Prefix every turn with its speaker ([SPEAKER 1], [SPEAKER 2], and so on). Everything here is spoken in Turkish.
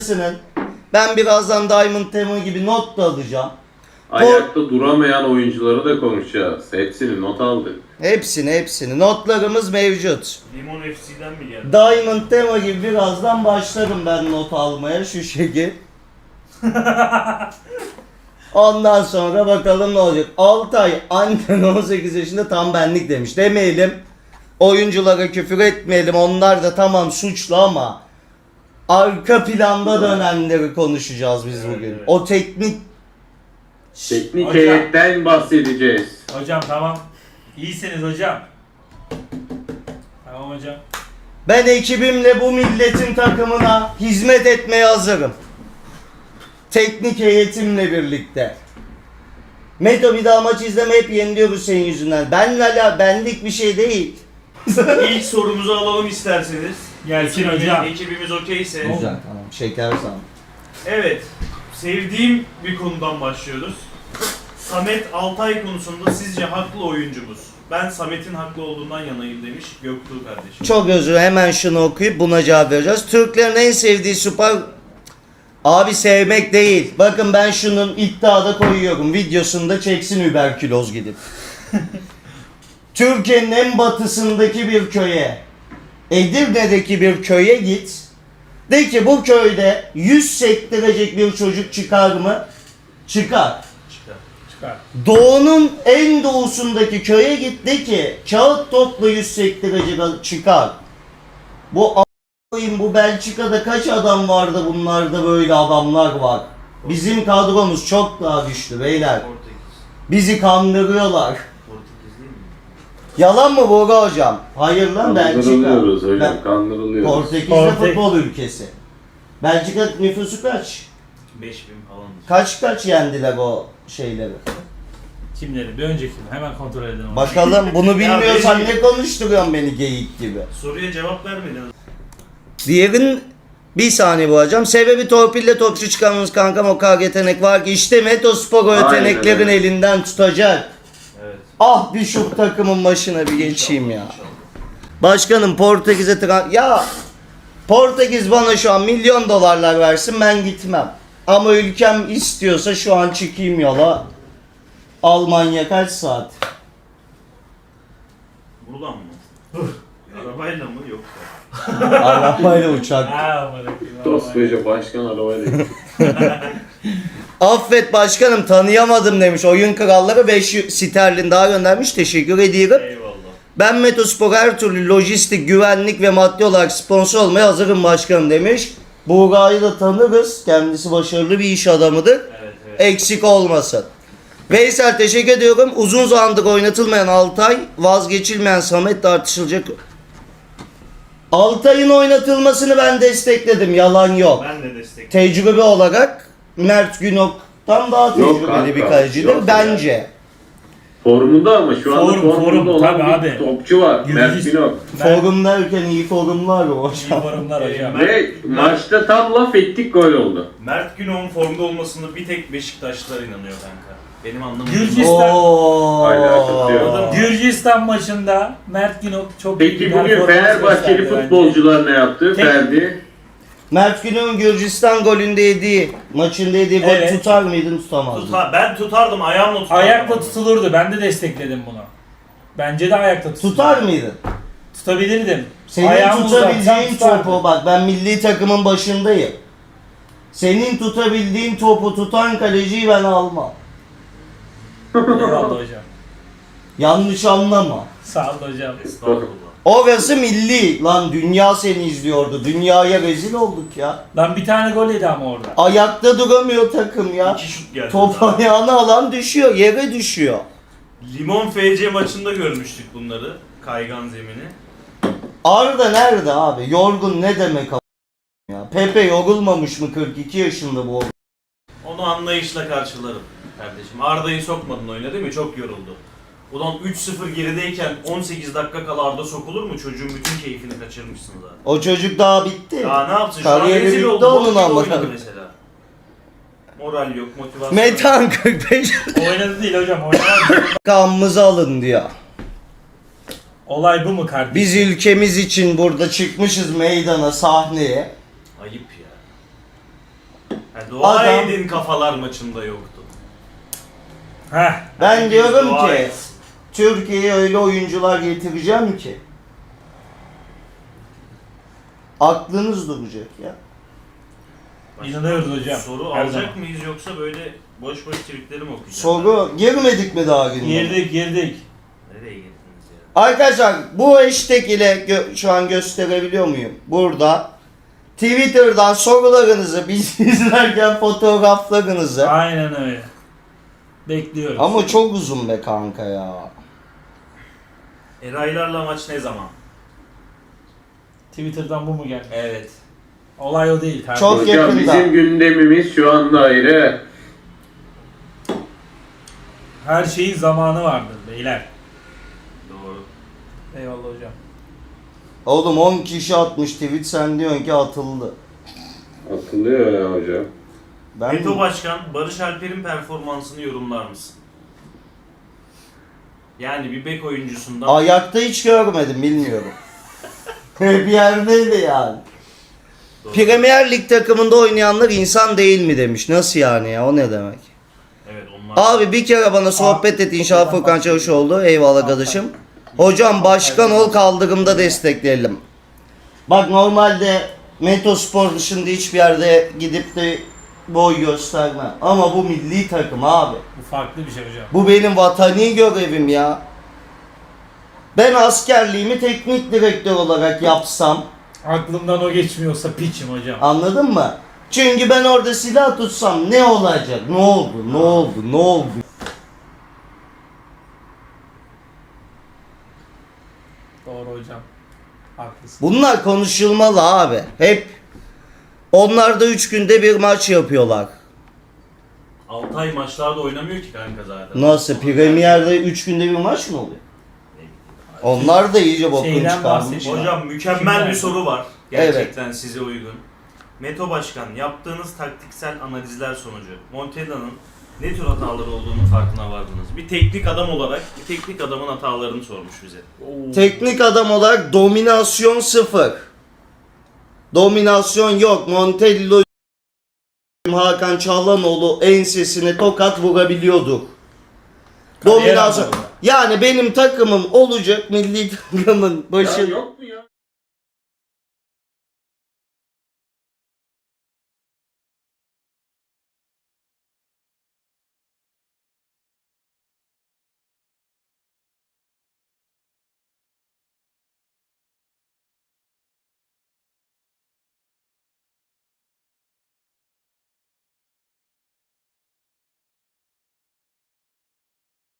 [SPEAKER 1] Ben birazdan Diamond Tema gibi not da alacağım.
[SPEAKER 2] Ayakta duramayan oyuncuları da konuşacağız. Hepsini not aldık.
[SPEAKER 1] Hepsini. Notlarımız mevcut.
[SPEAKER 3] Limon FC'den mi geldi?
[SPEAKER 1] Diamond Tema gibi birazdan başlarım ben not almaya şu şekil. Ondan sonra bakalım ne olacak. Altay annen 18 yaşında tam benlik demiş. Demeyelim. Oyunculara küfür etmeyelim. Onlar da tamam suçlu ama arka planda dönenleri konuşacağız biz bugün.
[SPEAKER 3] Evet.
[SPEAKER 1] O teknik
[SPEAKER 2] Heyetten bahsedeceğiz.
[SPEAKER 4] Hocam tamam. İyisiniz hocam. Tamam hocam.
[SPEAKER 1] ben ekibimle bu milletin takımına hizmet etmeye hazırım. Teknik heyetimle birlikte. Meto bir daha maç izleme hep yeniliyoruz senin yüzünden. Benlik bir şey değil.
[SPEAKER 3] İlk sorumuzu alalım isterseniz.
[SPEAKER 4] Gelsin hocam.
[SPEAKER 3] Ekibimiz okeyse.
[SPEAKER 1] Güzel tamam şeker sana.
[SPEAKER 3] Evet. Sevdiğim bir konudan başlıyoruz. Samet Altay konusunda sizce haklı oyuncumuz? Ben Samet'in haklı olduğundan yanayım demiş Göktuğ kardeşim.
[SPEAKER 1] Çok özür hemen şunu okuyup buna cevap vereceğiz. Türklerin en sevdiği spor... Abi sevmek değil. Bakın ben şunun iddiada koyuyorum. Videosunda çeksin überküloz gidip. Türkiye'nin en batısındaki bir köye, Edirne'deki bir köye git. De ki bu köyde 100 sektirecek bir çocuk çıkar mı? Çıkar.
[SPEAKER 4] Çıkar.
[SPEAKER 1] Doğu'nun en doğusundaki köye git de ki kağıt topla 100 sektirecek çıkar. Bu Belçika'da kaç adam vardı, bunlarda böyle adamlar var. Bizim kadromuz çok daha güçlü beyler.
[SPEAKER 3] Portekiz.
[SPEAKER 1] Bizi kandırıyorlar.
[SPEAKER 3] Portekiz değil mi?
[SPEAKER 1] Yalan mı Bora hocam? Hayır lan Belçika.
[SPEAKER 2] Kandırılıyoruz hocam,
[SPEAKER 1] Ben-
[SPEAKER 2] kandırılıyoruz.
[SPEAKER 1] Portekiz'de futbol ülkesi. Belçika nüfusu kaç?
[SPEAKER 3] 5000 falan.
[SPEAKER 1] Kaç yendiler o şeyleri?
[SPEAKER 4] Kimleri? Bir önceki mi? Hemen kontrol edelim. onu.
[SPEAKER 1] Bakalım bunu bilmiyorsan
[SPEAKER 3] benim-
[SPEAKER 1] ne konuşturuyorsun beni geyik gibi.
[SPEAKER 3] Soruya cevap vermediniz.
[SPEAKER 1] Diğerin bir saniye bu hocam. Sebebi torpille topçu çıkarmamız kankam o kadar yetenek var ki işte Metospor o
[SPEAKER 2] Aynen
[SPEAKER 1] yeteneklerin
[SPEAKER 2] öyle.
[SPEAKER 1] elinden tutacak.
[SPEAKER 3] Evet.
[SPEAKER 1] Ah bir şu takımın başına bir geçeyim ya.
[SPEAKER 3] İnşallah.
[SPEAKER 1] Başkanım Portekiz'e ya Portekiz bana şu an milyon dolarlar versin ben gitmem. Ama ülkem istiyorsa şu an çıkayım yola. Almanya kaç saat?
[SPEAKER 3] Buradan mı? Arabayla mı yoksa?
[SPEAKER 1] Arabayla uçak.
[SPEAKER 4] Ha, bırakayım.
[SPEAKER 2] Koskoca başkan arabayla.
[SPEAKER 1] Affet başkanım tanıyamadım demiş. Oyun kralları 5 sterlin daha göndermiş. Teşekkür ediyorum.
[SPEAKER 3] Eyvallah.
[SPEAKER 1] Ben Metospor her türlü lojistik, güvenlik ve maddi olarak sponsor olmaya hazırım başkanım demiş. Buğra'yı da tanırız. Kendisi başarılı bir iş adamıdır.
[SPEAKER 3] Evet evet.
[SPEAKER 1] Eksik olmasın. Veysel teşekkür ediyorum. Uzun zamandır oynatılmayan Altay, vazgeçilmeyen Samet tartışılacak. Altay'ın oynatılmasını ben destekledim. Yalan yok.
[SPEAKER 3] Ben de destek.
[SPEAKER 1] Tecrübe olarak Mert Günok'tan daha
[SPEAKER 2] Yok
[SPEAKER 1] tecrübeli
[SPEAKER 2] kanka,
[SPEAKER 1] bir kalecidir
[SPEAKER 2] yok
[SPEAKER 1] bence.
[SPEAKER 2] Formunda ama şu anda
[SPEAKER 4] Form,
[SPEAKER 2] formunda olan
[SPEAKER 4] tabii
[SPEAKER 2] bir
[SPEAKER 4] abi.
[SPEAKER 2] topçu var. Mert
[SPEAKER 4] Yıldız-
[SPEAKER 2] Günok.
[SPEAKER 1] Forum derken iyi forumlar o
[SPEAKER 4] İyi
[SPEAKER 1] hocam.
[SPEAKER 4] forumlar hocam.
[SPEAKER 2] Ve maçta tam laf ettik gol oldu.
[SPEAKER 3] Mert Günok'un formda olmasını bir tek Beşiktaşlılar inanıyor kanka. Benim anlamadığım.
[SPEAKER 4] Gürcistan-
[SPEAKER 2] Alakası yok.
[SPEAKER 4] Gürcistan maçında Mert Günok çok iyi
[SPEAKER 2] Peki
[SPEAKER 4] bir
[SPEAKER 2] bugün
[SPEAKER 4] performans
[SPEAKER 2] Fenerbahçeli
[SPEAKER 4] gösterdi bence.
[SPEAKER 2] futbolcular ne yaptı?
[SPEAKER 4] Tek-
[SPEAKER 2] Ferdi.
[SPEAKER 1] Mert Günok'un Gürcistan golünde yediği, maçında yediği gol
[SPEAKER 4] Evet.
[SPEAKER 1] tutar mıydın tutamazdın?
[SPEAKER 3] Ben tutardım ayağımla tutardım.
[SPEAKER 4] Ayakla tutulurdu. Ben de destekledim bunu. Bence de ayakta tutulurdu.
[SPEAKER 1] Tutar mıydın?
[SPEAKER 4] Tutabilirdim.
[SPEAKER 1] Senin
[SPEAKER 4] Ayağımı
[SPEAKER 1] tutabileceğin
[SPEAKER 4] uzatsam tutardım.
[SPEAKER 1] topu bak ben milli takımın başındayım. Senin tutabildiğin topu tutan kaleciyi ben almam.
[SPEAKER 4] Eyvallah hocam.
[SPEAKER 1] Yanlış anlama.
[SPEAKER 4] Sağ ol hocam.
[SPEAKER 3] Estağfurullah.
[SPEAKER 1] Orası milli. Lan dünya seni izliyordu. Dünyaya rezil olduk ya.
[SPEAKER 4] Lan bir tane gol yedi ama orada.
[SPEAKER 1] Ayakta duramıyor takım ya.
[SPEAKER 3] 2 şut geldi.
[SPEAKER 1] Top
[SPEAKER 3] daha.
[SPEAKER 1] ayağına alan düşüyor. Yere düşüyor.
[SPEAKER 3] Limon FC maçında görmüştük bunları. Kaygan zemini.
[SPEAKER 1] Arda nerede abi? Yorgun ne demek ya? Pepe yorulmamış mı 42 yaşında bu?
[SPEAKER 3] Onu anlayışla karşılarım kardeşim. Arda'yı sokmadın oyuna değil mi? Çok yoruldu. Ulan 3-0 gerideyken 18 dakika kala Arda sokulur mu? Çocuğun bütün keyfini kaçırmışsın zaten.
[SPEAKER 1] O çocuk daha bitti.
[SPEAKER 3] Ya ne yapsın? Şu an
[SPEAKER 1] Kariyeri
[SPEAKER 3] rezil
[SPEAKER 1] bitti
[SPEAKER 3] oldu.
[SPEAKER 1] onun
[SPEAKER 3] Boş yere
[SPEAKER 1] ama.
[SPEAKER 3] oynadı mesela. Moral yok, motivasyon
[SPEAKER 1] Metan
[SPEAKER 3] yok.
[SPEAKER 1] 45
[SPEAKER 4] Oynadı değil hocam. Oynadı.
[SPEAKER 1] kanımızı alın diyor.
[SPEAKER 4] Olay bu mu kardeşim?
[SPEAKER 1] Biz ülkemiz için burada çıkmışız meydana, sahneye.
[SPEAKER 3] Ayıp ya. Dua
[SPEAKER 1] Adam-
[SPEAKER 3] edin kafalar maçında yoktu.
[SPEAKER 4] Heh.
[SPEAKER 1] Ben
[SPEAKER 3] Herkes
[SPEAKER 1] diyorum
[SPEAKER 3] dua
[SPEAKER 1] ki
[SPEAKER 3] etsin.
[SPEAKER 1] Türkiye'ye öyle oyuncular getireceğim ki aklınız duracak ya.
[SPEAKER 3] Başka
[SPEAKER 4] İnanıyoruz hocam.
[SPEAKER 3] Soru
[SPEAKER 4] Her
[SPEAKER 3] alacak
[SPEAKER 4] zaman.
[SPEAKER 3] mıyız yoksa böyle boş boş tweetleri mi okuyacağız?
[SPEAKER 1] Soru girmedik mi daha gündeme?
[SPEAKER 4] Girdik.
[SPEAKER 3] Nereye girdiniz ya?
[SPEAKER 1] Arkadaşlar bu hashtag ile şu an gösterebiliyor muyum? Burada Twitter'dan sorularınızı, biz izlerken fotoğraflarınızı.
[SPEAKER 4] Aynen öyle. Bekliyoruz.
[SPEAKER 1] Ama çok uzun be kanka ya.
[SPEAKER 3] Eraylarla maç ne zaman?
[SPEAKER 4] Twitter'dan bu mu geldi?
[SPEAKER 3] Evet.
[SPEAKER 4] Olay o değil.
[SPEAKER 1] Çok
[SPEAKER 2] Hocam
[SPEAKER 1] yakında.
[SPEAKER 2] bizim gündemimiz şu anda ayrı.
[SPEAKER 4] Her şeyin zamanı vardır beyler.
[SPEAKER 3] Doğru.
[SPEAKER 4] Eyvallah hocam.
[SPEAKER 1] Oğlum 10 kişi atmış tweet, sen diyorsun ki atıldı.
[SPEAKER 2] Atılıyor ya hocam.
[SPEAKER 1] Ben
[SPEAKER 3] Meto Başkan, Barış Alper'in performansını yorumlar mısın? Yani bir bek oyuncusundan...
[SPEAKER 1] ayakta hiç görmedim, bilmiyorum. Bir yerdeydi yani.
[SPEAKER 3] Doğru.
[SPEAKER 1] Premier Lig takımında oynayanlar insan değil mi demiş. Nasıl yani ya, o ne demek?
[SPEAKER 3] Evet onlar...
[SPEAKER 1] Abi bir kere bana sohbet et inşallah Furkan Çavuşoğlu. Eyvallah kardeşim. Hocam başkan ol, kaldırımda destekleyelim. Bak normalde Metospor dışında hiçbir yerde gidip de boy göstermem. Ama bu milli takım abi.
[SPEAKER 4] Bu farklı bir şey hocam.
[SPEAKER 1] Bu benim vatani görevim ya. Ben askerliğimi teknik direktör olarak yapsam,
[SPEAKER 4] Aklımdan o geçmiyorsa piçim hocam.
[SPEAKER 1] anladın mı? Çünkü ben orada silah tutsam ne olacak? Ne oldu? Ne oldu? Ne oldu?
[SPEAKER 4] Doğru hocam. Haklısın.
[SPEAKER 1] Bunlar konuşulmalı abi. Hep onlar da 3 günde bir maç yapıyorlar.
[SPEAKER 3] Altay maçlarda oynamıyor ki kanka zaten.
[SPEAKER 1] Nasıl? Premier'de 3 günde bir maç mı oluyor? Onlar da iyice bokunu
[SPEAKER 4] Şeyden
[SPEAKER 1] çıkarmış.
[SPEAKER 4] bahsediyor.
[SPEAKER 3] Hocam mükemmel
[SPEAKER 4] Kimler?
[SPEAKER 3] bir soru var. Gerçekten size uygun. Meto Başkan, yaptığınız taktiksel analizler sonucu Montella'nın ne tür hataları olduğunu farkına vardınız. Bir teknik adam olarak, bir teknik adamın hatalarını sormuş bize.
[SPEAKER 4] Oo.
[SPEAKER 1] Teknik adam olarak dominasyon 0. Dominasyon yok. Montella Hakan Çalhanoğlu ensesine tokat vurabiliyordu.
[SPEAKER 4] Kariyer
[SPEAKER 1] Dominasyon.
[SPEAKER 4] anlamında.
[SPEAKER 1] Yani benim takımım olacak, milli takımın
[SPEAKER 2] Ya
[SPEAKER 1] başı.
[SPEAKER 2] yok mu ya?